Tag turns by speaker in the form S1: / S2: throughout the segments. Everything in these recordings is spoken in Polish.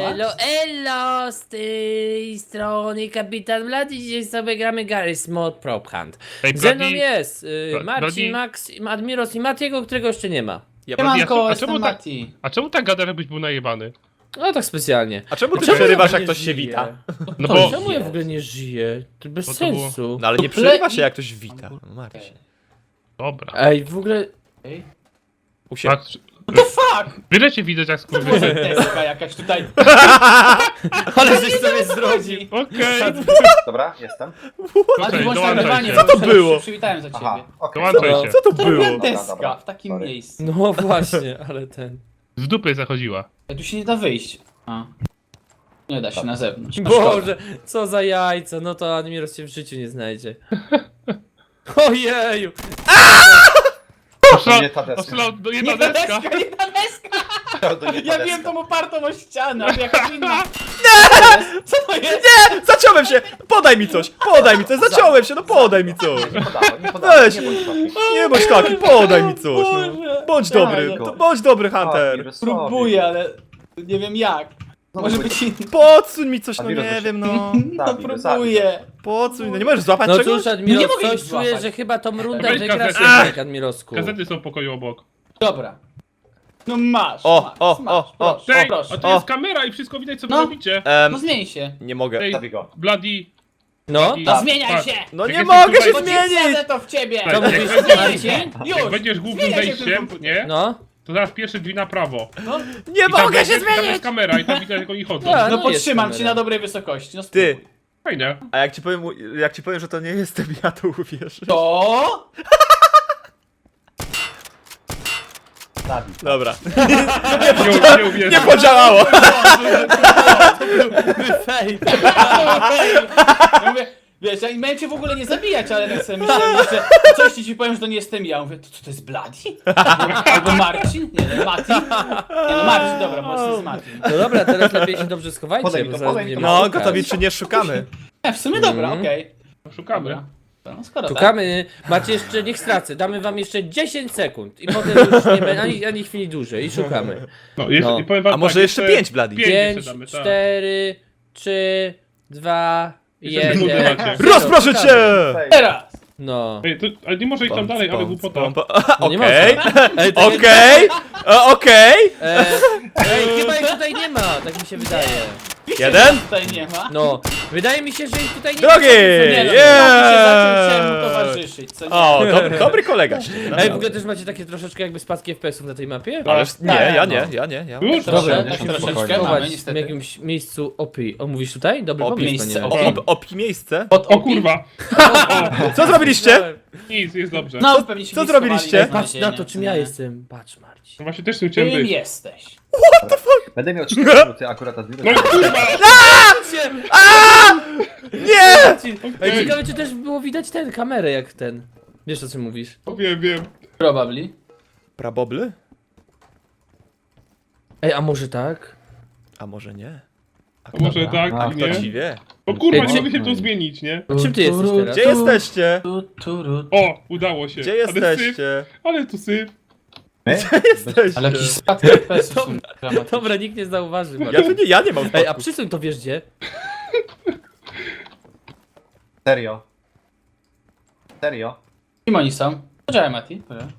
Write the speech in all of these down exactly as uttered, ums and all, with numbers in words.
S1: Elo, elo, z tej strony Kapitan Vlad i dzisiaj sobie gramy Garry's Mod Prop Hunt.
S2: Ej,
S1: Ze mną
S2: Bloody-
S1: jest y,
S2: Bla-
S1: Marcin,
S2: Bloody-
S1: Max, Admiros i Matiego, którego jeszcze nie ma.
S2: Ja
S3: Siemanko,
S2: a
S3: jestem
S2: czemu tak,
S3: Mati.
S2: a czemu tak gada, jakbyś był najebany?
S1: No tak specjalnie.
S4: A czemu ty
S1: Czemu
S4: przerywasz,
S1: ja
S4: jak
S1: nie
S4: ktoś się
S1: żyję?
S4: wita?
S2: No
S3: To
S2: bo...
S3: jest-
S1: Czemu ja w ogóle nie żyję? To bez
S2: Bo to było-
S1: sensu.
S4: No ale nie
S3: To
S4: przerywa
S3: ple-
S4: się, jak ktoś wita. No Marcin.
S2: Dobra.
S1: Ej, w ogóle...
S3: Ej,
S4: Usię...
S2: Patrz,
S3: what the fuck?
S2: byle cię widać jak
S3: To może
S2: skurwysy.
S3: deska jakaś tutaj.
S1: Ale żeś sobie zrobił.
S2: Okej.
S5: Dobra, jestem.
S3: A
S2: Okej,
S3: ty włącz
S2: dołączaj
S3: nagrywanie,
S2: się.
S3: bo
S4: Co to
S3: już
S4: było?
S3: się przywitałem za ciebie.
S5: Aha, okej.
S2: Dołączaj
S1: No.
S2: się.
S4: Co to
S3: To
S4: było?
S3: była
S5: Dobra,
S3: deska
S5: dobra,
S3: w takim
S5: sorry.
S3: miejscu.
S1: No właśnie, ale ten...
S2: Z dupy zachodziła.
S3: Tu się nie da wyjść. A. Nie da się na zewnątrz. No szkoda.
S1: Boże, co za jajca, no to Admiros cię w życiu nie znajdzie. Ojeju!
S5: To nie ta deska.
S2: Oszalał do
S3: Nie
S2: jedna
S3: ta
S2: deska.
S3: deska, nie ta deska!
S5: To nie ta
S3: Ja
S5: deska.
S3: wiem tą opartą o ścianę, ale jakaś inna. Co to jest?
S4: Nie! Zaciąłem się! Podaj mi coś! Podaj mi coś! Zaciąłem się, no podaj mi coś!
S5: Nie podałem, nie podałem,
S4: Weź!
S5: nie bądź taki.
S4: Nie bądź taki, podaj mi coś! No.
S3: Boże.
S4: Bądź
S3: Tak,
S4: dobry,
S3: no.
S4: to bądź dobry,
S5: A,
S4: Hunter!
S5: Wirus
S3: Próbuję, ale nie wiem jak.
S5: No,
S3: Może
S5: bo-
S3: być inny.
S4: Podsuń mi coś, no
S5: A wirus
S4: nie
S5: się-
S4: wiem, no.
S3: No
S5: Zabij go,
S3: próbuję.
S4: Podsuń, no nie możesz złapać
S1: No
S4: czegoś?
S1: cóż, Admiros,
S3: Nie mogę ich
S1: coś czuję,
S3: złapać.
S1: że chyba tą rundę
S2: Weź
S1: wygrasz
S2: gazetę.
S1: jednak, Admirosku.
S2: Gazety są w pokoju obok.
S3: Dobra. No masz,
S4: O,
S3: masz,
S4: o,
S3: masz,
S4: o, o,
S3: proszę,
S2: Ej,
S3: proszę.
S2: a to
S4: O.
S2: jest kamera i wszystko widać co wy
S3: No.
S2: robicie.
S4: Em,
S3: No zmień się.
S4: nie mogę.
S2: Ej,
S5: Zabij go.
S2: Bloody.
S1: No,
S2: I-
S3: No zmieniaj
S2: patrz.
S3: się!
S4: No
S2: Jak
S4: nie
S2: jesteś
S4: mogę
S2: tutaj-
S4: się
S3: Bo ci
S4: zmienić!
S3: wsadzę to w ciebie!
S2: Tak,
S1: Co
S2: jak
S1: mówisz,
S2: będziesz-
S1: Marcin?
S3: Zmieniaj się!
S2: Jak
S3: Już!
S2: będziesz głównym
S3: Zmieniaj się w tym
S2: wejściem,
S3: komputerze.
S2: nie?
S1: no.
S2: To zaraz pierwsze drzwi na prawo.
S3: No,
S4: Nie
S2: I tam
S4: mogę
S2: będzie-
S4: się
S2: Tam jest
S4: zmienić!
S2: kamera i tam widać jak oni chodzą.
S1: Tak.
S3: no
S1: no
S3: podtrzymam
S1: jest
S3: cię
S1: kamera.
S3: na dobrej wysokości. No
S4: Ty,
S3: spróbuj.
S2: Fajnie.
S4: a jak ci powiem, jak ci powiem, że to nie jestem ja, to uwierzysz.
S3: To?
S5: Zabij.
S4: Dobra.
S2: Nie, nie uwierzę.
S4: Nie podziałało!
S1: Fej.
S3: Ja mówię, wiesz, ja miałem cię w ogóle nie zabijać, ale tak sobie myślałem, że coś ci ci powiem, że to nie jestem ja. Mówię, to co to jest Bloody? Albo Marcin? Nie, no Mati? Nie no Marcin, dobra, może to jest Martin.
S1: No dobra, teraz lepiej się dobrze schowajcie,
S5: Podaj mi
S1: bo
S5: to,
S1: zaraz
S5: podaj mi to.
S1: będziemy
S4: No,
S1: szukać.
S4: gotowi czy nie szukamy?
S3: E, w sumie dobra,
S1: Mhm.
S3: okej.
S2: Szukamy.
S3: Dobra. No, skoro tak.
S1: Szukamy, macie jeszcze, niech stracę, damy wam jeszcze dziesięć sekund i potem już nie będzie ani, ani chwili dłużej i szukamy.
S2: No, jeszcze,
S1: No.
S2: powiem wam
S4: A może
S2: tak,
S4: jeszcze pięć, Bloody?
S2: Pięć
S1: pięć,
S2: jeszcze damy, tak.
S1: cztery, trzy, dwa,
S2: Jeszcze sekundy
S1: jeden.
S2: macie.
S4: Rozproszę cię!
S5: Fej.
S3: Teraz!
S1: No.
S2: Ej, to, ale nie może iść tam dalej, ale głupota.
S1: No nie
S4: Okej,
S1: można. Ej, to-
S4: okej, e, okej.
S1: E, Ej, chyba ich tutaj nie ma, tak mi się wydaje.
S4: Jeden?
S3: Tutaj nie ma.
S1: No, wydaje mi się, że ich tutaj nie
S4: Drugi!
S1: ma.
S3: Nie no,
S4: Yeah!
S3: yeah! się zaczął, chciałem mu towarzyszyć, co nie?
S4: O, dobry, dobry kolega się.
S1: Ej, w ogóle też macie takie troszeczkę jakby spadki F P S ów na tej mapie?
S4: Ależ nie,
S3: Tak,
S4: ja
S3: no.
S4: nie, ja nie, ja.
S2: Już?
S1: Dobra,
S3: Trosze,
S5: nie,
S3: tak
S5: nie,
S3: troszeczkę
S5: spokojnie.
S3: mamy
S1: Chować w
S3: niestety.
S1: jakimś miejscu opi. O, mówisz tutaj? Dobry
S4: Opi
S1: pomysł,
S3: miejsce,
S1: panie.
S3: opi.
S1: Marcin.
S4: Op, opki miejsce.
S3: Od
S2: O kurwa.
S4: Co zrobiliście?
S2: Nic, jest dobrze.
S3: No, pewnie się
S4: co
S3: nie
S4: zrobiliście?
S3: schowali
S1: Patrz na
S3: znalezienia,
S1: to, czym
S3: co
S1: ja
S3: nie?
S1: jestem. Patrz, Marcin.
S2: No właśnie też tu chciałem
S3: Kim
S2: być.
S3: jesteś?
S5: Będę miał cztery minuty akurat od
S2: No i kurwa!
S4: Nie!
S1: Marcin. Ej,
S2: Okej.
S1: ciekawe, czy też było widać ten, kamerę jak ten. Wiesz, o czym mówisz?
S2: Wiem, wiem.
S3: Probably.
S4: Prabobly?
S1: Ej, a może tak?
S4: A może nie? A
S2: A może tak,
S5: A,
S2: nie?
S4: kto ci wie?
S2: O kurwa,
S1: Ej,
S2: nie
S1: co-
S2: mogę się tu zmienić, nie?
S1: A czym ty jesteś teraz?
S4: Gdzie jesteście?
S3: Tu, tu, tu.
S2: O, udało się.
S4: Gdzie
S2: Ale syf,
S4: jesteście?
S2: ale tu syf.
S4: Jesteście.
S3: Ale jakiś spadek F P S są dramatyczne.
S1: Dobra, nikt nie zauważy.
S4: Ja
S1: Marcin.
S4: tu nie, ja nie mam
S1: Ej, a
S4: spadków.
S1: przysuń to wiesz gdzie?
S5: Serio. Serio.
S3: Kim oni są? Poczekaj, Mati. Dobra.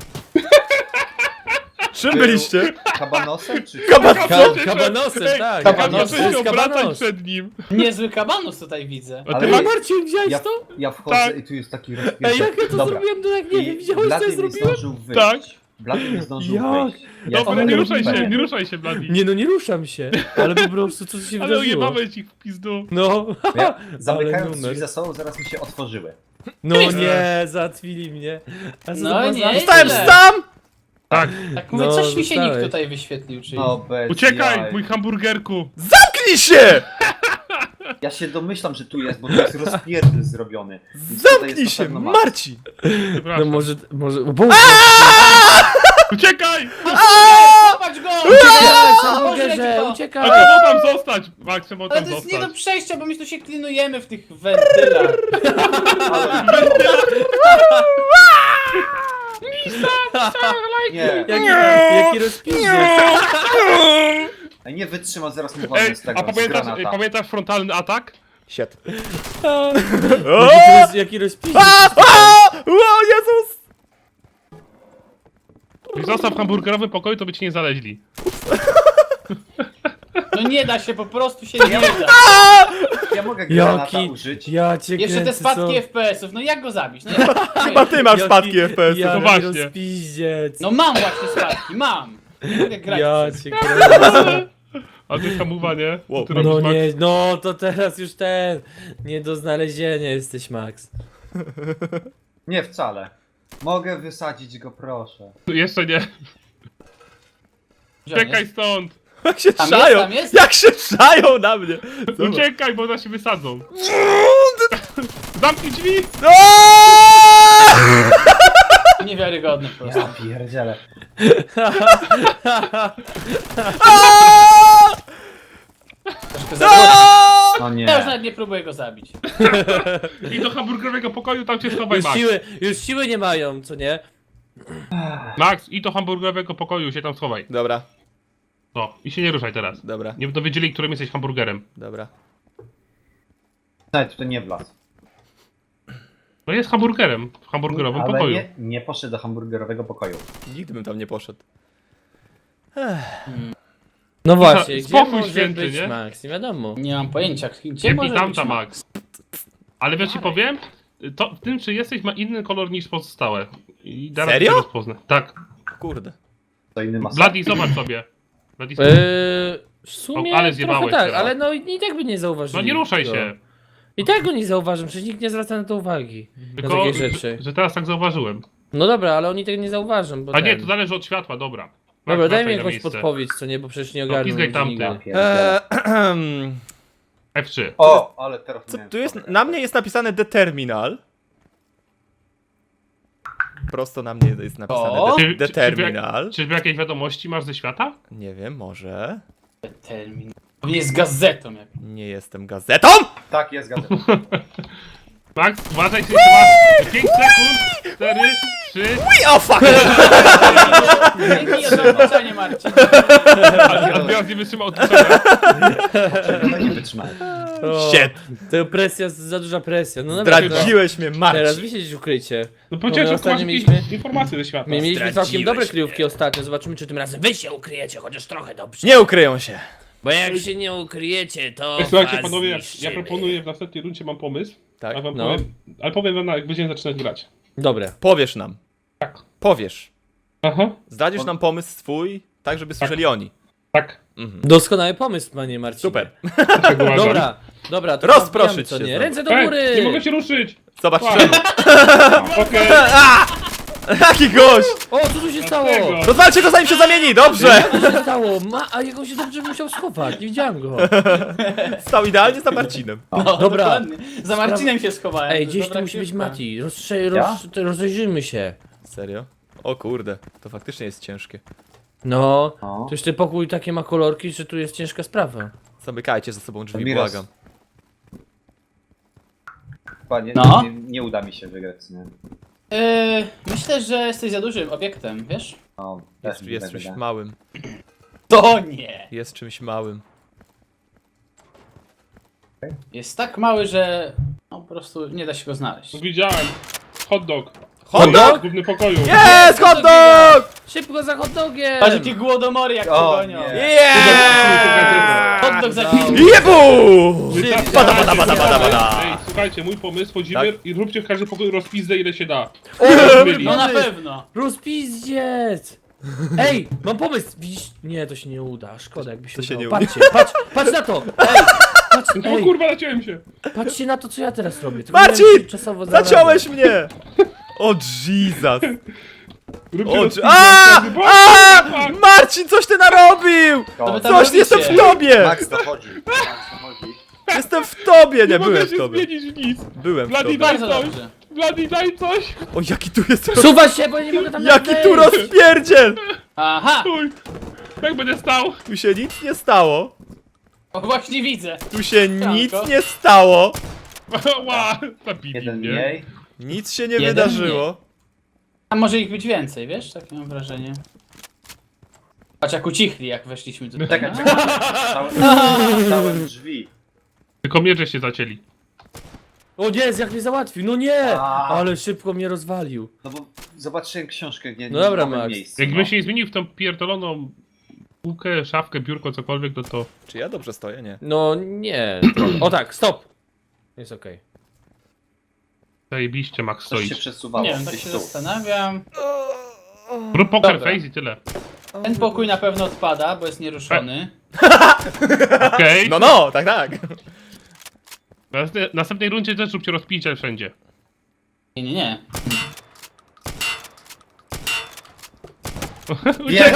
S4: Czym byliście?
S5: Kabanosem czy...
S4: Kaban...
S1: Ka kabanosem,
S2: Ej,
S1: tak.
S3: kabanos.
S1: To
S2: Kabanos
S1: jest
S2: się obracać
S1: kabanos.
S2: przed nim.
S3: Niezły kabanus tutaj widzę.
S2: A
S5: Ale-
S2: ty
S1: Ej,
S2: ma...
S1: Marcin, widziałeś
S5: Ja,
S1: to?
S5: ja wchodzę
S2: Tak.
S5: i tu jest taki
S1: Ej,
S5: rozpierdol.
S1: jak ja to
S5: Dobra.
S1: zrobiłem, to jak nie wiem,
S5: I
S1: widziałeś co ja
S5: Blady nie
S1: zrobiłem?
S5: zdążył wyjść.
S2: Tak.
S5: Blady nie zdążył
S1: Jak?
S5: wyjść. Ja
S2: Dobra,
S5: to
S2: nie ruszaj się,
S5: robiłem.
S2: nie ruszaj się, Bloody.
S1: Nie no, nie ruszam się, ale po prostu co się
S2: Ale
S1: wydarzyło?
S2: ojebamy ci w pizdu.
S1: No,
S5: Ja, zamykając
S1: Ale numer.
S5: drzwi za sobą, zaraz mi się otworzyły.
S1: no nie, załatwili mnie. A co
S3: No
S1: to ma
S3: nie,
S1: za-
S4: Stałem
S3: Źle.
S4: sam!
S2: Tak.
S3: Tak mówię,
S1: No,
S3: coś mi się nikt
S1: zostałeś.
S3: tutaj wyświetlił, czyli...
S5: No bez
S2: Uciekaj,
S5: jaj.
S2: mój hamburgerku.
S4: Zamknij się!
S5: Ja się domyślam, że tu jest, bo tu jest rozpierdol zrobiony. Więc tutaj
S4: Zamknij
S5: jest
S4: się,
S5: na pewno Max.
S4: Marcin!
S1: No
S2: Przepraszam.
S1: może, może, o Boże!
S2: Uciekaj!
S3: Zobacz go!
S1: Uciekaj,
S3: Boże,
S1: hamburgerze,
S3: jak to-
S2: A
S1: uciekaj!
S2: czemu tam zostać? Max, czemu
S3: Ale
S2: tam
S3: to jest nie do
S2: zostać?
S3: przejścia, bo my tu się klinujemy w tych wentylach.
S5: Nie.
S1: Jaki, jaki rozpiszesz!
S5: Ej, nie wytrzyma, zaraz mu walnę
S2: Ej,
S5: z tego,
S2: a
S5: z
S2: pamiętasz,
S5: granata.
S2: pamiętasz frontalny atak?
S4: Siet.
S1: Jaki, roz, jaki rozpiździec.
S4: O Jezus!
S2: Jak został w hamburgerowym pokoju, to by ci nie znaleźli.
S3: No nie da się, po prostu się nie da.
S5: Ja mogę granata
S1: Jaki,
S5: użyć.
S1: ja cię
S3: Jeszcze te
S1: kręcę,
S3: spadki
S1: co?
S3: F P S-ów, no jak go zabić? No, jak...
S4: Chyba ty masz
S1: Jaki-
S4: spadki F P S.
S1: Jaki
S2: No właśnie.
S1: rozpiździec.
S3: no mam właśnie spadki, mam. Nie mogę grać.
S1: Ja
S3: przez-
S1: cię kręcę.
S2: A ty hamowanie?
S4: Wow.
S2: Ty robisz,
S1: No
S2: Max?
S1: nie, no to teraz już ten. Nie do znalezienia jesteś, Max.
S5: Nie, wcale. Mogę wysadzić go, proszę.
S2: Jeszcze nie.
S3: Gdzie on
S2: Uciekaj
S3: jest?
S2: stąd!
S4: Jak się
S3: Tam
S4: trzają!
S3: jest, tam jest?
S4: Jak się trzają na mnie! Zobacz.
S2: Uciekaj, bo nas się wysadzą. Zamknij drzwi!
S4: Aaaa!
S3: Niewiarygodne po prostu.
S5: Ja pierdzielę.
S4: Aaaa!
S3: Troszkę za głośno.
S4: Aaaa!
S5: No nie.
S3: Ja już nawet nie próbuję go zabić.
S2: I do hamburgerowego pokoju tam cię schowaj,
S1: Już
S2: Max.
S1: siły, już siły nie mają, co nie?
S2: Max, i do hamburgerowego pokoju się tam schowaj.
S4: Dobra,
S2: No, i się nie ruszaj teraz.
S4: dobra,
S2: Nie dowiedzieli, którym jesteś hamburgerem.
S4: dobra.
S5: Nawet to nie wlazł.
S2: No jest hamburgerem w hamburgerowym
S5: Ale
S2: pokoju.
S5: nie, nie poszedł do hamburgerowego pokoju.
S4: Nigdy bym tam nie poszedł.
S1: No właśnie, gdzie
S2: spokój
S1: może
S2: święty,
S1: być
S2: nie?
S1: Max? Nie wiadomo.
S3: Nie mam pojęcia, gdzie
S2: Nie
S3: może
S2: tam
S3: być
S2: ta
S3: ma-
S2: Max. Ale wiesz ci powiem? To w tym, czy jesteś, ma inny kolor niż pozostałe. I zaraz
S4: Serio?
S2: cię rozpoznę. Tak.
S4: Kurde.
S5: To inny masa.
S2: Bloody, zobacz sobie. Bloody,
S1: Eee, w sumie
S2: O, ale
S1: trochę
S2: zjebałeś
S1: tak,
S2: teraz.
S1: ale no i i tak by nie zauważyli.
S2: No nie ruszaj
S1: go.
S2: się.
S1: I tak go nie zauważam, przecież nikt nie zwraca na to uwagi. Na
S2: Tylko,
S1: takie rzeczy.
S2: że, że teraz tak zauważyłem.
S1: No dobra, ale oni tego nie zauważą, bo
S2: A nie,
S1: ten...
S2: to zależy od światła, dobra.
S1: Dobra,
S2: Max,
S1: daj mi
S2: wracaj na
S1: jakąś
S2: miejsce.
S1: podpowiedź, co nie, bo przecież nie
S2: No,
S1: ogarnę.
S2: pizgaj
S1: nigdy
S2: tamty.
S1: nigdy.
S5: Ja pierdzielę.
S4: Eee,
S2: F trzy.
S5: O, ale teraz
S4: co
S5: miałem
S4: tu jest?
S5: spokój.
S4: Na mnie jest napisane The Terminal. Prosto na mnie jest napisane
S3: O!
S4: The,
S2: Czy-
S4: the
S2: czy-
S4: Terminal.
S2: Czyżby jakieś wiadomości masz ze świata?
S4: Nie wiem, może.
S3: Termin. On jest gazetą jak.
S4: Nie jestem gazetą!
S5: Tak, jest gazeta.
S2: Max, uważaj, że masz pięć sekund, cztery, trzy,
S4: Ui, o fuck!
S3: Dzięki za zobaczenie, Marcin.
S2: a teraz nie wytrzymał odpuszczenia.
S5: No nie wytrzymałem.
S1: O,
S4: Shit.
S1: To presja, za duża presja. No dobra,
S4: Zdradziłeś mnie,
S1: teraz
S4: Marcin.
S1: wy siedzieć w ukrycie.
S2: No
S1: No,
S2: powiedziałem,
S1: my
S2: że
S1: ostatnio
S2: masz
S1: mieliśmy-
S2: jakieś informacje ze świata.
S1: My mieliśmy
S4: Zdradziłeś
S1: całkiem dobre
S4: mnie.
S1: kryjówki ostatnio, zobaczymy czy tym razem wy się ukryjecie, chociaż trochę dobrze.
S4: Nie ukryją się.
S1: Bo jak się nie ukryjecie, to
S2: Ej, Słuchajcie
S1: was
S2: panowie, ja, ja
S1: zniszczymy.
S2: proponuję w następnej rundzie mam pomysł.
S4: Tak?
S2: A wam
S1: No.
S2: powiem, ale powiem wam jak będziemy zaczynać grać.
S1: Dobre.
S4: Powiesz nam.
S2: Tak.
S4: Powiesz.
S2: Aha,
S4: Zdradzisz nam pomysł swój, tak żeby słyszeli oni.
S2: tak.
S1: Doskonały pomysł, panie Marcinie.
S4: Super.
S2: Dlaczego uważam?
S1: Dobra, dobra, to
S4: Rozproszyć
S1: wbijamy, co
S4: się
S1: nie?
S4: znowu.
S1: Ręce do
S2: Ej,
S1: góry!
S2: nie mogę się ruszyć!
S4: Zobacz
S2: Wow.
S4: czemu.
S2: Okej,
S4: Jaki gość!
S1: O, co tu się stało?
S2: Dlaczego?
S4: Rozwalcie go zanim się zamieni, dobrze!
S1: Co tu się stało? Ma, a jak on się dobrze musiał schować, nie widziałem go.
S4: Stał idealnie za Marcinem.
S3: No,
S1: Dobra.
S3: dokładnie. Za Marcinem się schowałem.
S1: Ej,
S3: To
S1: gdzieś
S3: dobra
S1: tu musi być
S3: kryjówka.
S1: Mati. Rozstrze-
S5: Ja?
S1: roz, to rozejrzyjmy się.
S4: Serio? O kurde, to faktycznie jest ciężkie.
S1: No,
S5: No.
S1: to już ten pokój takie ma kolorki, że tu jest ciężka sprawa.
S4: Zamykajcie za sobą drzwi,
S5: Miros.
S4: błagam.
S5: Chyba nie,
S3: No.
S5: nie, nie uda mi się wygrać, nie?
S3: Yy, myślę, że jesteś za dużym obiektem, wiesz?
S5: No, też
S4: Jest,
S5: mi
S4: jest
S5: tak
S4: czymś
S5: wydaje.
S4: małym.
S3: To nie.
S4: Jest czymś małym.
S3: Jest tak mały, że no, po prostu nie da się go znaleźć.
S2: widziałem. Hot dog.
S4: Hot dog?
S2: W głównym pokoju.
S4: Jest hot dog!
S1: Szybko za hot dogiem!
S3: Patrz jakie głodomory jak
S5: O,
S3: cię gonią.
S5: nie.
S4: Yeah!
S3: Hot dog za
S1: Dał.
S4: Jebu!
S2: Wystarczy-
S4: Bada, bada, bada, bada, bada.
S2: Ej, słuchajcie, mój pomysł, chodzimy
S4: Tak?
S2: i róbcie w każdym pokoju rozpizdę ile się da.
S3: No na pewno.
S1: Rozpizdziec! Ej, mam pomysł! Widzisz? Nie, to się nie uda, szkoda jakby się
S4: To się
S1: udało.
S4: nie uda.
S1: Patrzcie, patrz, patrz na to! Ej, patrz,
S2: O
S1: ej,
S2: kurwa, naciąłem się.
S1: patrzcie na to, co ja teraz robię. Tylko
S4: Marcin!
S1: nie wiem, czy czasowo
S4: Zaciąłeś mnie! O Jesus!
S2: Róbcie
S4: O,
S2: rozpizdę.
S4: a,
S2: Bo-
S4: a,
S2: fuck.
S4: Marcin, coś ty narobił!
S3: To wy tam
S4: Coś,
S3: robicie.
S4: jestem w tobie!
S5: Max to chodzi. Max to chodzi.
S4: Jestem w tobie! Nie,
S2: Nie mogę
S4: byłem w
S2: się
S4: tobie.
S2: zmienić w nic.
S4: Byłem w
S2: Bloody
S4: tobie.
S2: daj
S3: Bardzo
S2: coś.
S3: dobrze.
S2: Bloody daj coś.
S4: O, jaki tu jest...
S1: Suwa się, bo ja nie mogę tam
S4: Jaki
S1: wejść.
S4: tu rozpierdziel!
S3: Aha!
S2: Uj. Jak będę stał?
S4: Tu się nic nie stało.
S3: O, właśnie widzę.
S4: Tu się
S3: Franko.
S4: nic nie stało.
S2: Ła, zabili
S5: Jeden
S2: mnie.
S5: mniej.
S4: Nic się nie
S3: Jeden
S4: wydarzyło.
S3: A może ich być więcej, wiesz? Takie mam wrażenie. Patrz jak ucichli, jak weszliśmy tutaj.
S5: Czekaj,
S3: no.
S5: czekaj. Stałem, stałem drzwi.
S2: Tylko mierze się zacięli.
S1: O nie, jak mnie załatwił, no nie!
S5: A.
S1: Ale szybko mnie rozwalił.
S5: No bo zobaczyłem książkę, nie,
S1: No dobra,
S5: nowym
S1: Max.
S5: miejscu.
S2: Jakbym
S5: no.
S2: się nie zmienił w tą pierdoloną półkę, szafkę, biurko, cokolwiek, to to...
S4: Czy ja dobrze stoję? Nie.
S1: No nie. O tak, stop! Jest okej.
S2: Zajebiście, Max
S5: Coś się
S2: stoisz.
S5: przesuwało.
S3: Nie wiem, tak
S5: gdzieś
S3: się
S5: tu.
S3: zastanawiam.
S2: Rób poker
S3: Dobra.
S2: face i tyle.
S3: Ten pokój na pewno odpada, bo jest nieruszony.
S2: Okej?
S4: No, no, tak, tak.
S2: W następnej- następnej rundzie też róbcie rozpicie wszędzie.
S3: Nie, nie, nie.
S5: Wiem.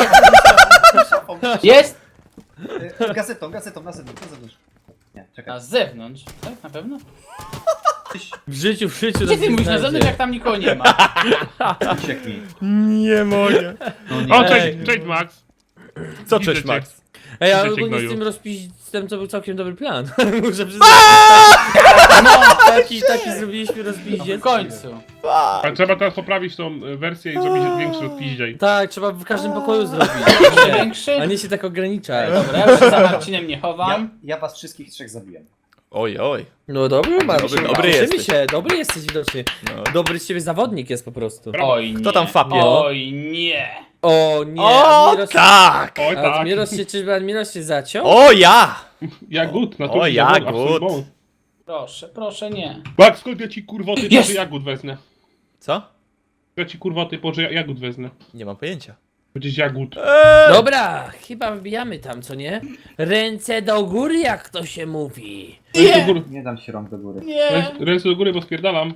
S3: Jest!
S5: Y, Gazetą, gazetą, na zewnątrz, na zewnątrz. Nie,
S3: Na
S5: czekaj.
S3: zewnątrz, tak? Na pewno?
S5: Tyś
S1: W życiu, w życiu.
S3: Gdzie ty mówisz na zewnątrz, jak tam nikogo nie ma?
S5: uciekł mi.
S4: Nie mogę.
S5: No nie.
S2: O,
S1: Ej.
S2: cześć, cześć Max.
S4: Co,
S2: Widzę
S4: cześć,
S2: cię.
S4: Max?
S1: Ej, ale
S2: Widzę cię,
S1: ogólnie z
S2: gnoju.
S1: tym rozpisem to był całkiem dobry plan. Muszę przyznać. No, taki, taki zrobiliśmy
S3: No
S1: rozpisie.
S3: w końcu.
S2: A trzeba teraz poprawić tą e, wersję i zrobić większy rozpiździej.
S1: Tak, trzeba w każdym pokoju zrobić.
S3: Jeszcze większy?
S1: A nie się tak ograniczać.
S3: Dobra, ja już się za Marcinem nie
S5: Ja,
S3: chowam.
S5: ja was wszystkich trzech zabiłem.
S4: Oj, oj.
S1: No dobry, Marcin.
S4: Dobry- dobry
S1: Cieszymy
S4: jesteś.
S1: się, dobry jesteś widocznie.
S4: No.
S1: Dobry z ciebie zawodnik jest po prostu.
S3: Oj nie.
S4: Kto tam fapie?
S3: Oj nie.
S1: O nie,
S4: O,
S1: Admiros,
S4: tak!
S2: Oj tak.
S1: Admiros się, czy Admiros się zaciął?
S4: O, ja!
S2: Jagód, na
S4: O,
S2: to
S4: jagód.
S3: Proszę, proszę nie.
S2: Max, skąd ja ci kurwoty,
S3: Jest!
S2: to jagód wezmę.
S4: Co?
S2: Ja ci kurwoty, po że ja jagód wezmę.
S4: Nie mam pojęcia.
S2: Będziesz jagód.
S4: Eee,
S1: Dobra, chyba wbijamy tam, co nie? Ręce do góry, jak to się mówi.
S2: Ręce do góry,
S5: Nie dam się rąk do góry.
S3: Nie.
S2: ręce, ręce do góry, bo spierdalam.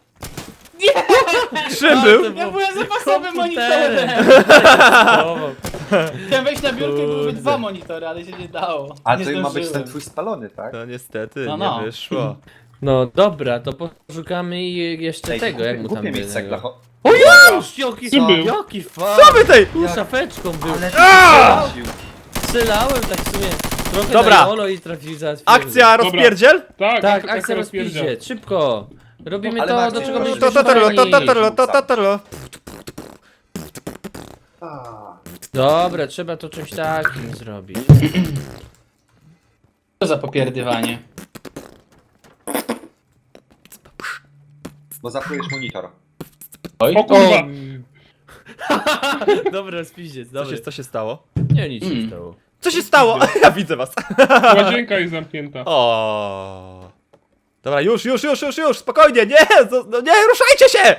S4: czym był?
S3: Ja byłem zapasowym
S1: Komputerem.
S3: monitorem. Chciałem wejść na biurkę i byłyby dwa monitory, ale się nie dało.
S5: A
S3: nie
S5: to ma być
S3: zdążyłem.
S5: ten twój spalony, tak?
S4: No niestety,
S3: No, no.
S4: nie wyszło.
S1: No dobra, to poszukamy i jeszcze
S5: Ej,
S1: tego, jak mu tam
S5: głupie mieć
S1: było.
S5: cegla. cho-
S1: O już! Jaki,
S2: Czym był?
S1: jaki fan!
S4: Co wy tej?
S1: Tu szafeczką był.
S5: Ale
S4: Aaa!
S5: ty
S1: Strzelałem tak w sumie. Trochę
S4: Dobra.
S1: na Olo i trafił za
S4: Akcja rozpierdziel?
S2: Tak,
S1: Tak,
S2: ak-
S1: akcja
S2: rozpierdzia.
S1: rozpiździe, szybko. Robimy
S5: Ale
S1: to,
S5: Max,
S1: do czego
S5: to-
S1: będziemy
S4: To, to, to, to, to,
S1: używani.
S4: to, to, to, to, to.
S5: A,
S1: Dobra, trzeba to czymś takim zrobić.
S3: Co za popierdywanie.
S5: Bo zaplujesz monitor.
S3: Oj,
S2: O kurwa.
S1: Dobra, rozpiździec,
S4: Co
S1: dobra.
S4: się, co się stało?
S1: Nie, nic się
S3: Mm.
S1: stało.
S4: Co się stało? Ja widzę was.
S2: Łazienka jest zamknięta.
S4: O. Dobra, już, już, już, już, już, spokojnie, nie, zo- no nie, ruszajcie się!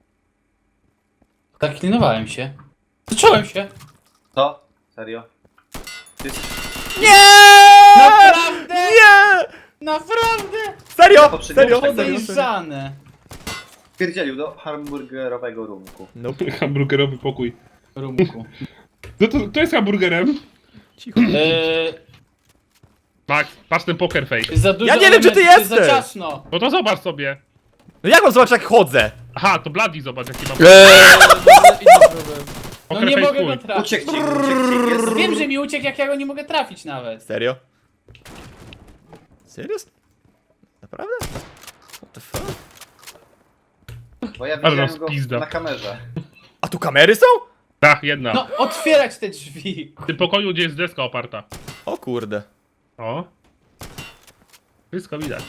S3: zaklinowałem się. Zacząłem się.
S5: Co? Serio? Ty...
S4: Nie!
S3: Naprawdę?
S4: Nie!
S3: Naprawdę?
S4: Serio,
S5: Poprzednio
S4: serio,
S5: tak
S4: serio, serio.
S3: Podejrzane.
S5: Pierdzielił do hamburgerowego rumku.
S4: Nope.
S2: Hamburgerowy pokój.
S3: Rumku.
S2: No to, to jest hamburgerem.
S4: Cicho.
S3: Eee,
S2: Max, patrz ten poker face.
S3: jest za dużo
S4: Ja nie wiem, czy ty
S3: elementów, jest
S4: jesteś.
S3: za ciasno.
S2: No to zobacz sobie.
S4: No jak mam zobaczyć, jak chodzę?
S2: Aha, to Bloody, zobacz jaki mam
S1: Eee, inny problem.
S3: No
S2: poker
S3: nie
S2: face
S3: mogę go
S2: twój.
S3: trafić.
S5: Uciekł ci, uciekł ci. Jest...
S3: Wiem, że mi uciekł, jak ja go nie mogę trafić nawet.
S4: Serio? Serio? Naprawdę? What the fuck?
S5: Bo ja
S2: Ale
S5: widziałem go
S2: rozpizda.
S5: na kamerze.
S4: A tu kamery są?
S2: Tak, jedna.
S3: No, otwierać te drzwi.
S2: W tym pokoju, gdzie jest deska oparta.
S4: O kurde.
S2: O. Wszystko widać.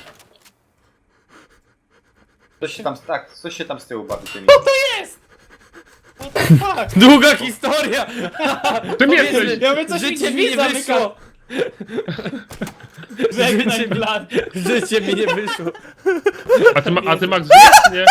S5: Coś się tam, tak, coś się tam z tyłu bawi tymi.
S3: Jest! What the fuck?
S1: Długa historia!
S2: Tym
S1: Powiedzmy,
S2: jesteś!
S3: Ja mówię, coś mi
S1: Życie mi
S3: drzwi
S1: nie
S3: zamyka.
S1: wyszło!
S3: Żegnaj,
S1: Życie mi-
S3: blat.
S1: Życie mi nie wyszło.
S2: A ty, ma, a ty Max żyjesz, nie?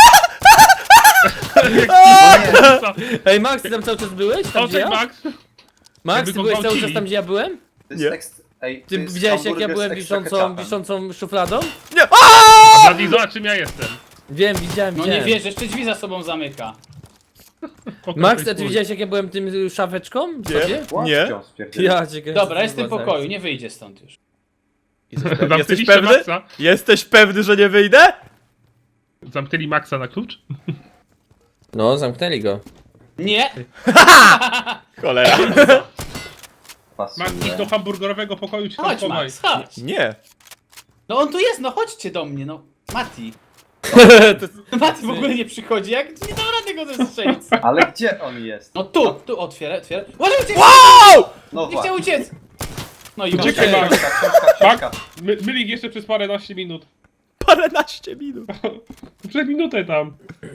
S2: Co?
S1: Ej, Max, ty tam cały czas byłeś? Tam
S2: O,
S1: gdzie
S2: cześć
S1: ja?
S2: Max!
S1: Max,
S2: Jakby
S1: ty
S2: go
S1: byłeś cały czas
S2: gwałcili.
S1: tam, gdzie ja byłem?
S5: To jest
S4: Nie.
S5: ekst... Ej, to
S1: Ty
S5: jest
S1: widziałeś, jak ja
S5: hamburger
S1: byłem
S5: z extra
S1: wiszącą,
S5: ketchupem.
S1: wiszącą szufladą?
S2: A Bloody, zobacz czym ja jestem.
S1: Wiem, widziałem,
S3: No nie
S1: widziałem.
S3: wiesz, jeszcze drzwi za sobą zamyka.
S2: Poker
S1: Max,
S2: face
S1: a ty
S2: twój.
S1: widziałeś, jak ja byłem tym y, szafeczką?
S4: Nie.
S1: Sobie?
S5: Łapcią
S4: Nie.
S5: spierdzielił.
S1: Ja cię kręcę,
S3: Dobra, jest w tym
S1: zobaczę.
S3: pokoju, nie wyjdzie stąd już.
S4: Jesteś pewny? Jesteś
S2: Zamknęliście
S4: pewny?
S2: Maxa?
S4: Jesteś pewny, że nie wyjdę?
S2: Zamknęli Maxa na klucz?
S1: No, zamknęli go.
S3: Nie!
S4: Cholera.
S5: Pasuje.
S2: Max, idź do hamburgerowego pokoju, ci tam
S3: Chodź,
S2: chowaj.
S3: Max, chodź.
S4: Nie.
S3: No on tu jest, no chodźcie do mnie, no. Mati. Mati w ogóle nie przychodzi, jak nie dam rady go zestrzelić.
S5: Ale gdzie on jest?
S3: No tu, tu, otwieraj, otwieraj. Uważaj, uciekł!
S4: Wow!
S5: No
S3: Nie chciał
S5: właśnie.
S3: uciec! No i
S2: Uciekaj,
S3: masz.
S2: Max.
S5: Książka, książka, książka.
S2: My, mylik jeszcze przez paręnaście minut.
S4: Paręnaście minut.
S2: Przez minutę tam.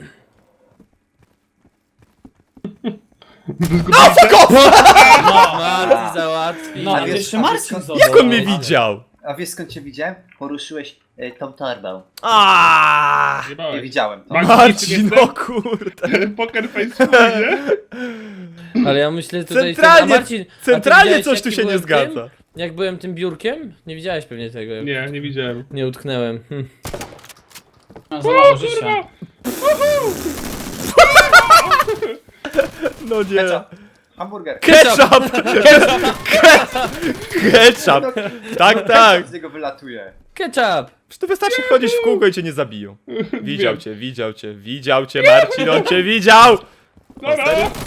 S4: No, fuck off!
S1: Marty załatwi.
S3: No,
S5: A
S3: a
S5: wiesz-
S3: jeszcze
S5: a wiesz
S3: Marcin
S5: skąd-
S3: został.
S4: Jak on mnie widział?
S5: A wiesz skąd cię widziałem? Poruszyłeś e, tą torbę.
S4: Aaaa!
S5: Nie
S2: Jebałeś.
S5: widziałem to.
S2: Max,
S4: Marcin, no kurde.
S2: Poker face swój, nie?
S1: Ale ja myślę tutaj...
S4: Centralnie-
S1: a Marcin, a ty
S4: Centralnie
S1: widziałeś,
S4: coś
S1: jak
S4: tu
S1: ty
S4: się nie
S1: byłem
S4: zgadza.
S1: Tym? Jak byłem tym biurkiem? Nie widziałeś pewnie tego. jak
S2: Nie, nie widziałem.
S1: Nie utknęłem. Hm.
S3: No, za mało życia.
S4: No nie.
S5: Ketchup. Hamburger.
S4: Ketchup! Ketchup! Tak, tak.
S5: Z niego wylatuje.
S1: Ketchup!
S4: Przecież to wystarczy chodzić w kółko i cię nie zabiją. Widział
S2: Wiem.
S4: cię, widział cię, widział cię, Marcin, on cię widział!
S2: Dobra,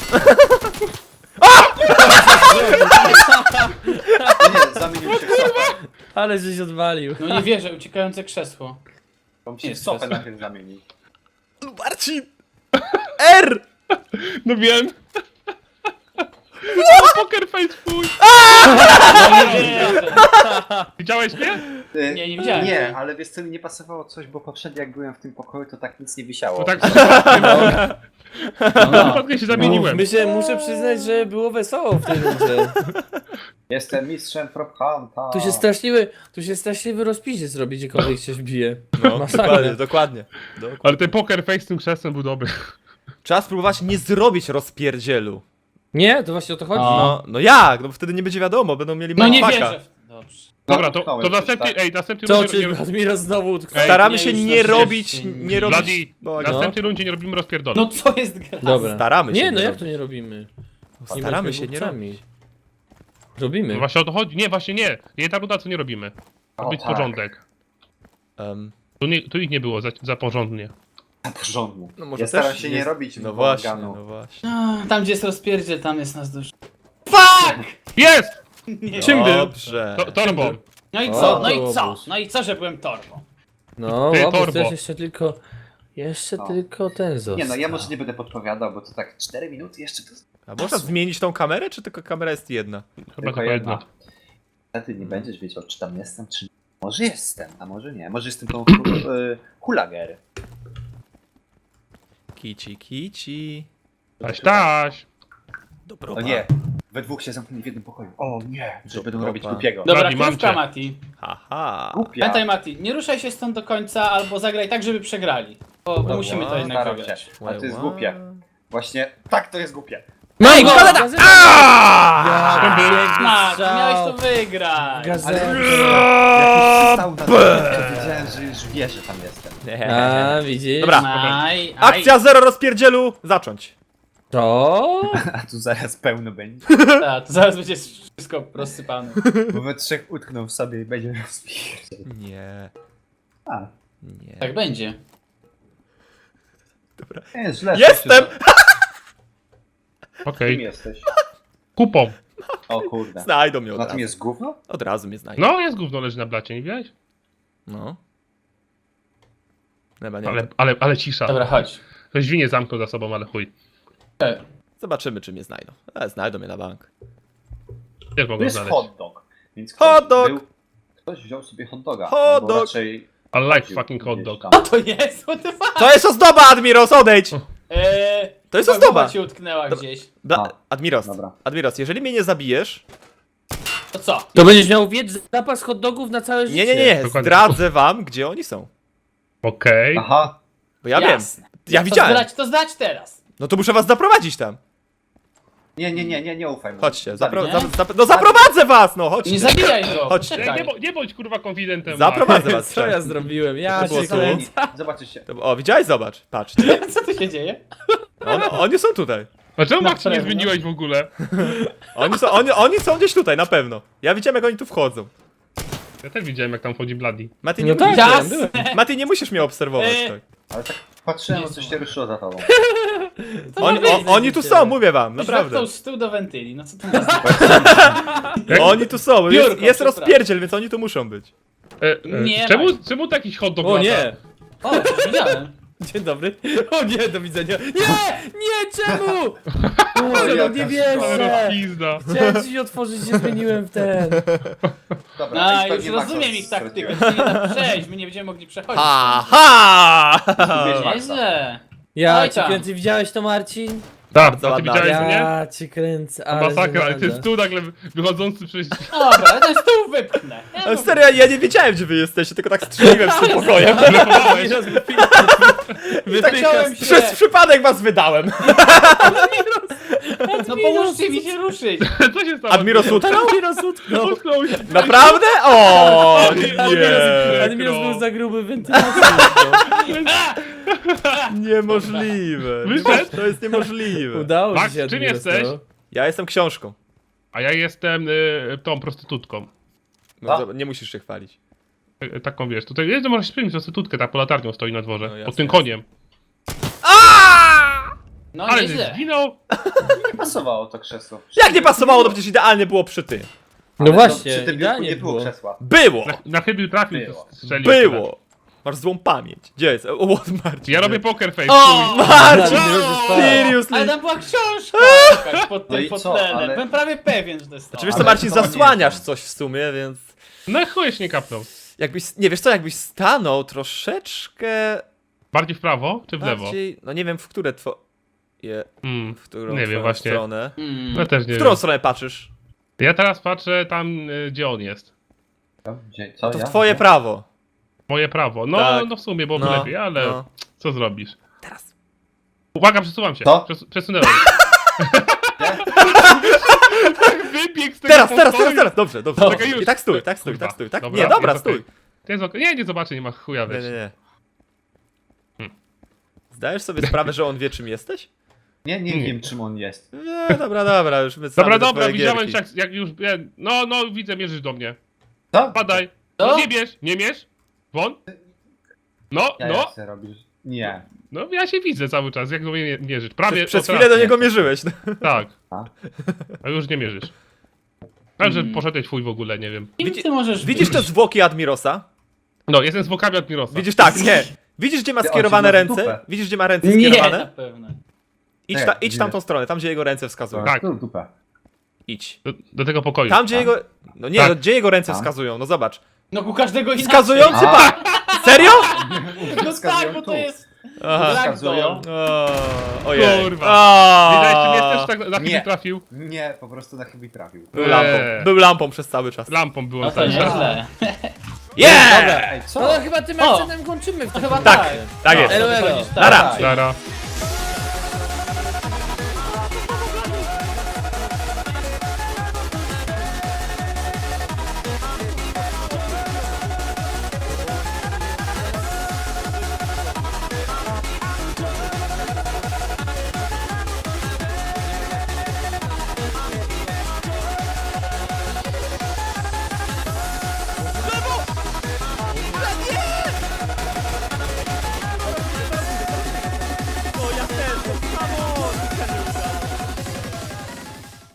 S5: Nie, zamienił się w sofę.
S1: Ale żeś odwalił.
S3: No nie wierzę, uciekające krzesło.
S5: On się w
S3: Jest
S5: sofę
S3: krzesło.
S5: najpierw zamienił.
S4: Marcin! R!
S2: no wiem. O, poker face swój.
S3: No nie wierzę.
S5: E,
S2: Widziałeś mnie?
S3: Nie, nie widziałem.
S5: Nie, ale wiesz co, mi nie pasowało coś, bo poprzednio jak byłem w tym pokoju, to tak nic nie wisiało.
S2: Bo tak
S3: No, no.
S2: przypadkiem się zamieniłem.
S1: Myślę, muszę przyznać, że było wesoło w tej rundzie.
S5: Jestem mistrzem prop hunta.
S1: Tu się straszliwy, tu się straszliwy rozpisie zrobi, gdziekolwiek się wbije.
S4: No,
S1: Masakra.
S4: dokładnie, dokładnie. dokładnie.
S2: Ale ten poker face z tym krzesłem był dobry.
S4: Trzeba spróbować nie zrobić rozpierdzielu.
S1: Nie? To właśnie o to chodzi.
S3: O.
S4: No, no jak? No bo wtedy nie będzie wiadomo, będą mieli
S3: No nie
S4: mindfucka.
S3: wierzę. Dobrze.
S2: Dobra, to,
S5: utknąłem
S2: to
S5: coś,
S2: następny,
S5: tak?
S2: ej, następny
S1: Co,
S2: rundzie
S1: czy
S2: nie,
S1: Admiros znowu utknął?
S2: Ej,
S4: Staramy
S3: nie,
S4: się
S3: już
S4: nie
S3: na
S4: robić,
S3: szczęście
S4: nie
S3: nie.
S4: robić...
S2: Bloody,
S4: Bo-
S2: w następnej rundzie nie robimy rozpierdolu.
S3: No co jest gra?
S1: Dobra.
S4: Staramy się
S1: Nie,
S4: nie
S1: no jak
S4: robić.
S1: to nie robimy? Nie
S4: Staramy
S1: bądźmy
S4: się nie
S1: głupcami.
S4: robić.
S1: Robimy.
S2: No właśnie o to chodzi. Nie, właśnie nie. Nie ta runda, co nie robimy. Ma
S5: O,
S2: być
S5: tak.
S2: porządek.
S4: Um,
S2: Tu, nie, tu ich nie było za, za porządnie.
S5: Na porządku.
S4: no może
S5: Ja staram
S4: też
S5: się
S4: jest-
S5: nie robić
S4: No właśnie,
S5: bałaganu.
S4: no właśnie.
S3: A, Tam gdzie jest rozpierdziel, tam jest nas dużo.
S2: Jest!
S3: Nie.
S1: Czym był?
S4: Dobrze.
S2: To, torbą.
S3: No i
S1: O,
S3: co? No i
S1: to
S3: co?
S1: obóz.
S3: No i co, że byłem torbą?
S1: No,
S2: Ty,
S1: łapy,
S2: torbo.
S1: to jest jeszcze tylko... Jeszcze
S5: No.
S1: tylko ten został.
S5: Nie no, ja może nie będę podpowiadał, bo to tak cztery minuty jeszcze to
S4: A można zmienić tą kamerę, czy tylko kamera jest jedna?
S2: Chyba
S5: tylko
S2: tylko
S5: jedna.
S2: jedna.
S5: Wtedy nie będziesz wiedział, czy tam jestem, czy nie. Może jestem, a może nie. Może jestem tą hu- y, hulager.
S4: Kici, kici.
S2: Taś, taś.
S4: Dobra.
S5: O nie, we dwóch się zamknęli w jednym pokoju. O nie, że będą
S4: Dobra.
S5: robić głupiego.
S3: Dobra,
S2: Bloody, mam
S3: krówka
S2: cię.
S3: Mati.
S4: Haha.
S5: Głupia.
S3: Pamiętaj Mati, nie ruszaj się stąd do końca, albo zagraj tak, żeby przegrali. Bo, bo
S5: Dobra,
S3: musimy to jednak
S5: staram
S3: wygrać.
S5: się. Ale to jest głupie. Właśnie, tak to jest głupie.
S1: Mam go!
S4: Gazeta!
S1: Gazeta!
S4: Aaaa!
S1: Piękny
S3: Mati,
S1: strzał.
S3: miałeś to wygrać.
S1: Gazeta!
S5: Jak już stał na to, wiedziałem, że już wie, że tam jestem.
S1: A, widzisz?
S4: Dobra.
S3: Aj, aj.
S4: Akcja zero rozpierdzielu, zacząć.
S1: To?
S5: A tu zaraz pełno będzie.
S3: Ta, to zaraz będzie wszystko rozsypane.
S5: Bo we trzech utkną w sobie i będzie rozpierdziel.
S4: Nie,
S5: A,
S4: nie.
S3: Tak będzie.
S5: nie jest źle.
S4: Jestem!
S5: Kim
S2: Okej.
S5: jesteś?
S2: Kupą.
S5: O kurde.
S4: Znajdą mnie od
S5: Na tym
S4: razu.
S5: jest gówno?
S4: Od razu mnie znajdą.
S2: No, jest gówno leży na blacie, nie widziałeś?
S4: No. Chyba nie.
S2: Ale, ale, ale cisza.
S3: Dobra, chodź.
S2: Ktoś drzwi nie zamknął za sobą, ale chuj.
S3: E,
S4: Zobaczymy, czy mnie znajdą. Ale znajdą mnie na bank.
S2: Też
S5: To
S2: mogą
S5: jest
S2: znaleźć.
S5: hot dog. Więc ktoś
S4: Hot dog!
S5: Był, ktoś wziął sobie hot doga.
S4: Hot
S5: albo
S4: dog!
S5: raczej
S2: I like
S5: chodził
S2: fucking hot
S5: gdzieś
S2: dog.
S5: tam.
S3: Co to jest? What the fuck?
S4: To jest ozdoba, Admiros, odejdź!
S3: Eee,
S4: To jest
S3: chyba
S4: ozdoba.
S3: głowa ci utknęła gdzieś.
S4: Da,
S5: A,
S4: Admiros,
S5: dobra.
S4: Admiros, jeżeli mnie nie zabijesz...
S3: To co?
S1: To będziesz miał wiedz zapas hot dogów na całe życie.
S4: Nie, nie, nie,
S2: Dokładnie.
S4: zdradzę wam, gdzie oni są.
S2: Okej.
S5: Aha,
S4: Bo ja
S3: Jasne.
S4: wiem. Ja
S3: To
S4: widziałem.
S3: zdać, to zdać teraz.
S4: No to muszę was zaprowadzić tam.
S5: nie, nie, nie, nie, nie ufaj mu.
S4: Chodźcie,
S5: Zabij.
S4: zapro
S3: nie?
S4: za za no zaprowadzę was, no chodźcie.
S3: Nie zabijaj go.
S4: Chodźcie.
S2: Nie,
S3: Czekaj.
S2: nie, bo- nie bądź kurwa konfidentem.
S4: Zaprowadzę was.
S1: Co ja zrobiłem? Ja
S4: To było
S1: się
S4: tu.
S1: kręcę.
S5: Zobaczycie.
S4: To- O, widziałeś? Zobacz, patrzcie.
S3: Co tu się dzieje?
S4: On, oni są tutaj.
S2: A czemu
S3: Na
S2: Max nie
S3: pewno.
S2: zmieniłeś w ogóle?
S4: Oni są, oni, oni są gdzieś tutaj, na pewno. Ja widziałem, jak oni tu wchodzą.
S2: Ja też widziałem jak tam chodzi Bloody.
S4: Mati, nie,
S1: No tak,
S4: musisz,
S1: ja
S3: Jasne.
S4: Mati, nie musisz mnie obserwować.
S3: Eee.
S4: tak.
S5: Ale tak patrzyłem, o coś się ruszyło za tobą.
S4: Oni,
S1: ma
S4: o,
S1: być,
S4: oni tu
S1: widzicie.
S4: są, mówię wam, naprawdę.
S3: Naprawdę. z tyłu do wentyli. No co to ma znaczyć?
S4: Oni tu są, jest,
S3: Biurko,
S4: jest
S3: przepraszam.
S4: rozpierdziel, więc oni tu muszą być.
S2: E, e,
S3: Nie
S2: czemu,
S3: ma.
S2: czemu taki hot dog
S1: O
S2: lata?
S1: nie!
S3: O, coś widziałem.
S4: Dzień dobry. O nie, do widzenia. Nie! Nie, czemu?
S1: Boże, no
S5: jaka
S1: nie
S5: szkoda.
S1: wierzę!
S2: Pizda.
S1: Chciałem ci otworzyć, się zmieniłem w ten.
S5: Dobra,
S3: A,
S5: i
S3: już
S5: pewnie
S3: rozumiem
S5: Maxa
S3: ich taktykę,
S5: straciłem.
S3: to nie da przejść, my nie będziemy mogli przechodzić.
S4: Ha, ha!
S5: Zgubiłeś Maxa.
S3: Nieźle.
S1: Ja
S3: Oj
S1: cię
S3: tam.
S1: kręcę, widziałeś to, Marcin?
S2: Tak,
S4: Bardzo
S2: a ty
S4: ładna.
S2: widziałeś mnie?
S1: Ja cię kręcę,
S2: To
S1: ale
S2: masakra, ale
S1: żenada.
S2: ty tu nagle wychodzący przez...
S3: Dobra, ja ten stół wypchnę. Ja
S4: Ale
S3: go-
S4: serio, ja, ja nie wiedziałem, gdzie wy jesteście, tylko tak strzeliłem z tym pokojem.
S2: Blefowałeś.
S3: Tak chciałem się...
S4: Przez przypadek was wydałem.
S3: No pomóżcie mi się ruszyć.
S2: Co się stało?
S4: Admiros utknął?
S1: Admiros utknął.
S2: Utknął się.
S4: Naprawdę? O,
S2: Admiros-
S4: nie.
S1: Admiros był za gruby wentylacji.
S4: Niemożliwe.
S2: Wyszedł?
S4: To jest niemożliwe.
S1: Udało
S2: Max,
S1: ci się,
S2: czym
S1: Admiros,
S2: jesteś?
S1: no.
S4: Ja jestem książką.
S2: A ja jestem y, tą prostytutką.
S4: No,
S5: A?
S4: dobra, nie musisz się chwalić.
S2: Y, Taką wiesz, tutaj jest, możesz spełnić prostytutkę, ta pod latarnią stoi na dworze.
S4: No, jasne,
S2: pod tym
S4: jasne.
S2: koniem.
S3: No
S2: Ale że
S3: nieźle.
S2: zginął.
S5: Nie pasowało to krzesło.
S4: Jak nie pasowało, to przecież idealnie było przy tym.
S1: No
S5: Ale
S1: właśnie,
S5: przy tym biurku
S1: idealnie
S5: nie było
S1: było.
S5: krzesła.
S4: Było!
S2: Na, na chybił trafił,
S5: Było.
S2: strzelił.
S4: Było! Masz złą pamięć. Gdzie jest? O, what, Marcin?
S2: Ja robię poker face.
S4: O,
S2: chuj.
S4: Marcin!
S1: Admiros został.
S3: Ale
S4: Seriously!
S3: tam była książka jakaś pod
S5: No
S3: tym
S5: i co,
S3: fotlenem.
S5: ale-
S3: Byłem prawie pewien, że to jest to.
S4: Czy wiesz co,
S5: Ale
S4: Marcin,
S5: to nie
S4: zasłaniasz
S5: jest.
S4: coś w sumie, więc...
S2: No chuj się nie kapnął.
S4: Jakbyś, nie wiesz co, jakbyś stanął troszeczkę
S2: Bardziej w prawo czy w lewo?
S4: bardziej... No nie wiem, w które two... Je,
S2: Hmm.
S4: w którą
S2: Nie wiem
S4: twoją
S2: właśnie.
S4: stronę.
S3: Mm.
S2: Ja też nie
S4: W którą
S2: wiem.
S4: stronę patrzysz?
S2: Ja teraz patrzę tam, y, gdzie on jest.
S5: Co? Gdzie- Co,
S4: To w
S5: ja?
S4: twoje
S5: Gdzie?
S4: prawo.
S2: Moje prawo. No,
S4: Tak.
S2: no w sumie byłoby
S4: No,
S2: lepiej, ale
S4: no.
S2: co zrobisz?
S4: Teraz.
S2: Uwaga, przesuwam się.
S5: Co?
S2: Przes przesunęłem. Wybieg z tego
S4: Teraz, teraz,
S2: pokoju.
S4: teraz, teraz! Dobrze, dobrze.
S2: Czekaj, już.
S4: I tak stój, tak stój,
S2: Kurwa.
S4: tak stój, tak?
S2: Dobra,
S4: Nie, dobra,
S2: jest okej.
S4: stój.
S2: To jest okej. Nie, nie zobaczę, nie ma chuja,
S4: Nie,
S2: wiesz.
S4: nie, nie.
S2: Hmm.
S4: Zdajesz sobie sprawę, że on wie, czym jesteś?
S5: Nie, nie
S2: Nie.
S5: wiem czym on jest.
S4: Nie, dobra, dobra, już my
S2: Dobra,
S4: same te
S2: dobra,
S4: twoje
S2: widziałem
S4: gierki.
S2: się jak, jak już... ja- No, no, widzę, mierzysz do mnie.
S5: Co?
S2: Padaj.
S3: Co?
S2: No nie bierz, nie mierz. Won. No,
S5: Ja
S2: no,
S5: jak chcę robisz? Nie.
S2: no ja się widzę cały czas, jak do mnie mierzysz. Prawie
S4: Przez, przez
S2: o,
S4: chwilę
S2: teraz.
S4: do niego mierzyłeś. No.
S2: Tak.
S5: A?
S2: A już nie mierzysz. Tak, że
S3: Mm.
S2: poszedłeś fuj w ogóle, nie wiem.
S3: Kim
S4: Widzi-
S3: ty możesz
S4: Widzisz te
S3: być?
S4: zwłoki Admirosa?
S2: No, jestem z wokami Admirosa.
S4: Widzisz tak, nie. Widzisz, gdzie ma
S5: Ty, on
S4: skierowane
S5: ci ma w
S4: ręce?
S5: dupę.
S4: Widzisz, gdzie ma ręce
S3: Nie, na
S4: skierowane?
S3: pewno.
S4: Idź,
S5: Nie,
S4: ta, idź
S5: nie.
S4: tamtą stronę, tam gdzie jego ręce wskazują.
S2: Tak.
S5: Tu dupę.
S4: Idź.
S2: Do, do tego pokoju.
S4: Tam, gdzie
S5: Tam?
S4: jego... No nie,
S2: Tak.
S4: no, gdzie jego ręce
S5: Tam?
S4: wskazują, no zobacz.
S3: No ku każdego inaczej.
S4: Wskazujący
S5: A.
S4: pa... Serio?
S3: No tak, bo to jest...
S4: Aha.
S5: Wskazują.
S4: O, ojej.
S2: Kurwa.
S4: O.
S2: Widać, czy mnie też tak na chwilę
S5: Nie.
S2: trafił.
S5: Nie, po prostu na chybi trafił.
S4: Był lampą.
S2: Eee.
S4: Był lampą przez cały czas.
S2: Lampą było
S3: No to
S2: cały czas.
S3: nieźle.
S4: Yeah!
S5: Ej, co?
S1: No chyba tym
S3: O.
S1: akcentem kończymy w
S3: To
S1: takim
S3: chyba
S1: razie.
S3: tak.
S4: Tak jest.
S1: Elo, elo.
S3: Chodzisz tak.
S4: Nara.
S2: Zara.